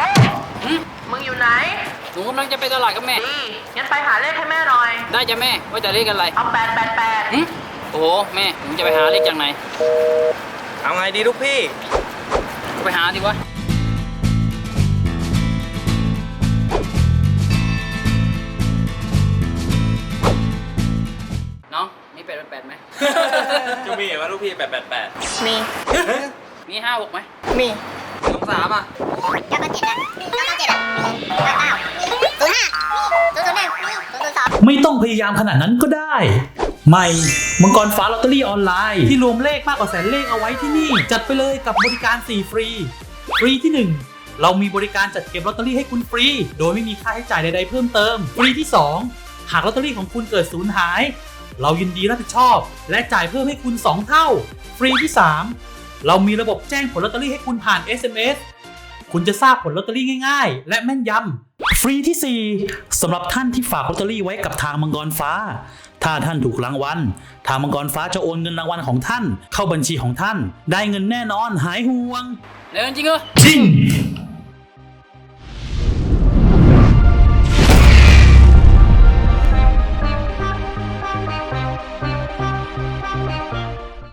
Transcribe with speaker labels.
Speaker 1: มึงอยู่ไหน
Speaker 2: หนูกำลังจะไปตลาดกับแม่
Speaker 1: ดีงั้นไปหาเลขให้แม่หน่อย
Speaker 2: ได้จ้ะแม่ว่าจะเลขอะไร
Speaker 1: เอา888
Speaker 2: โอ้โหแม่หนูจะไปหาเลขจากไหน
Speaker 3: เอาไงดีลูกพี่
Speaker 2: ไปหาดิวะน้องมี888ไหม
Speaker 3: จะมีว่าลูกพี่888
Speaker 1: มี
Speaker 2: มี56ไหม
Speaker 1: มี
Speaker 3: 23อ่ะ
Speaker 4: 997อ่ะ997อ่ะ99 05 001 002
Speaker 5: ไม่ต้องพยายามขนาดนั้นก็ได้ ใหม่มังกรฟ้าลอตเตอรี่ออนไลน์ที่รวมเลขมากกว่าแสนเลขเอาไว้ที่นี่จัดไปเลยกับบริการ4ฟรีฟรีที่ 1เรามีบริการจัดเก็บลอตเตอรี่ให้คุณฟรีโดยไม่มีค่าใช้จ่ายใดๆเพิ่มเติมฟรีที่2หากลอตเตอรี่ของคุณเกิดสูญหายเรายินดีรับผิดชอบและจ่ายเพิ่มให้คุณ2เท่าฟรีที่3เรามีระบบแจ้งผลลอตเตอรี่ให้คุณผ่าน SMS คุณจะทราบผลลอตเตอรี่ง่ายๆและแม่นยำฟรีที่4สำหรับท่านที่ฝากลอตเตอรี่ไว้กับทางมังกรฟ้าถ้าท่านถูกรางวัลทางมังกรฟ้าจะโอนเงินรางวัลของท่านเข้าบัญชีของท่านได้เงินแน่นอนหายห่วง
Speaker 2: แล้วจริงเหรอ
Speaker 5: จริง